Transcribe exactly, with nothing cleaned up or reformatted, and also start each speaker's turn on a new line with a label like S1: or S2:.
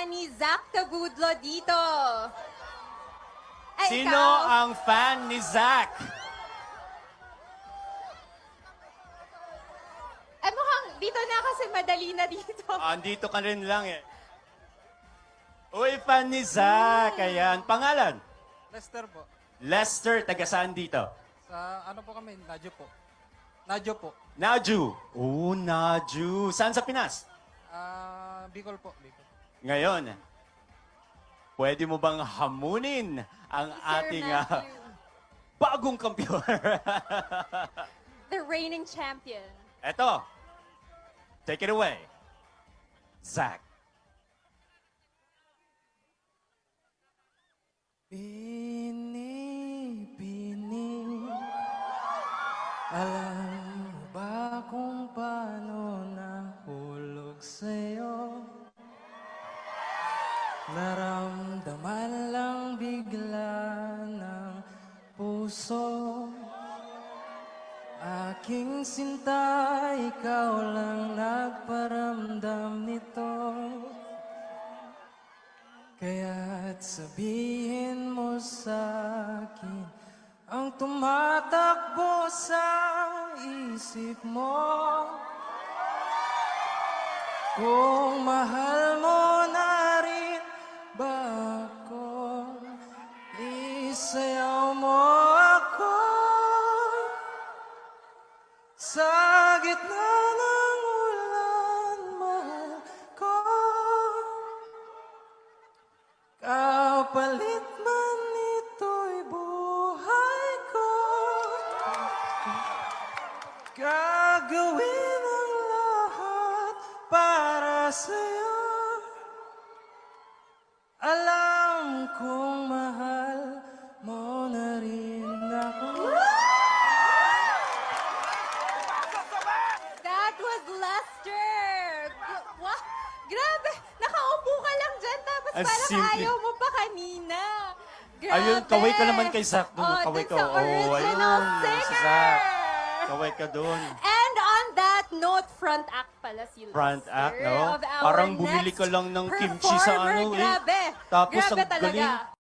S1: fan ni Zach Tabudlo dito? Ay,
S2: Sino
S1: ikaw?
S2: ang fan ni Zach?
S1: Ay, mukhang dito na kasi madali na dito.
S2: Andito ka rin lang eh. Uy, fan ni Zach. Ayan. Pangalan?
S3: Lester po.
S2: Lester. Taga saan dito?
S3: Sa ano po kami? Nadyo po. Nadyo po.
S2: Naju. Oh, Naju. Saan sa Pinas?
S3: Ah, Bicol po. Bicol.
S2: Ngayon, pwede mo bang hamunin ang
S1: Sir
S2: ating ah,
S1: Matthew,
S2: bagong kampiyon?
S1: the reigning champion.
S2: Eto. Take it away. Zach.
S3: Bini-bini, alam mo ba kung paano nahulog sa'yo? Naramdaman lang bigla ng puso. Aking sinta, ikaw lang nagparamdam nito. Kaya't sabihin mo sa'kin ang tumatakbo sa isip mo. Kung mahal mo na rin ba ako, isayaw mo ako sa gitna ng ulan, mahal ko. Kapalit man ito'y buhay ko, gagawin ang lahat para sa'yo. Alam kong mahal mo na rin ako.
S1: That was Lester! Gu- Wah! Grabe! Nakaupo ka lang dyan, tapos
S2: Ang
S1: parang
S2: simple.
S1: ayaw mo pa kanina. Grabe!
S2: Ayun, kaway ka naman kay Zach dun.
S1: Oh,
S2: Kaway
S1: dun
S2: ka.
S1: sa
S2: Oh,
S1: original
S2: ayun, si
S1: singer!
S2: Zach. Kaway ka doon.
S1: And on that note, front act pala si Lester.
S2: Front act, no?
S1: of our
S2: Parang bumili
S1: next
S2: ka lang ng kimchi sa
S1: performer.
S2: ano eh.
S1: Grabe!
S2: Tapos
S1: Grabe
S2: ang
S1: talaga.
S2: galing.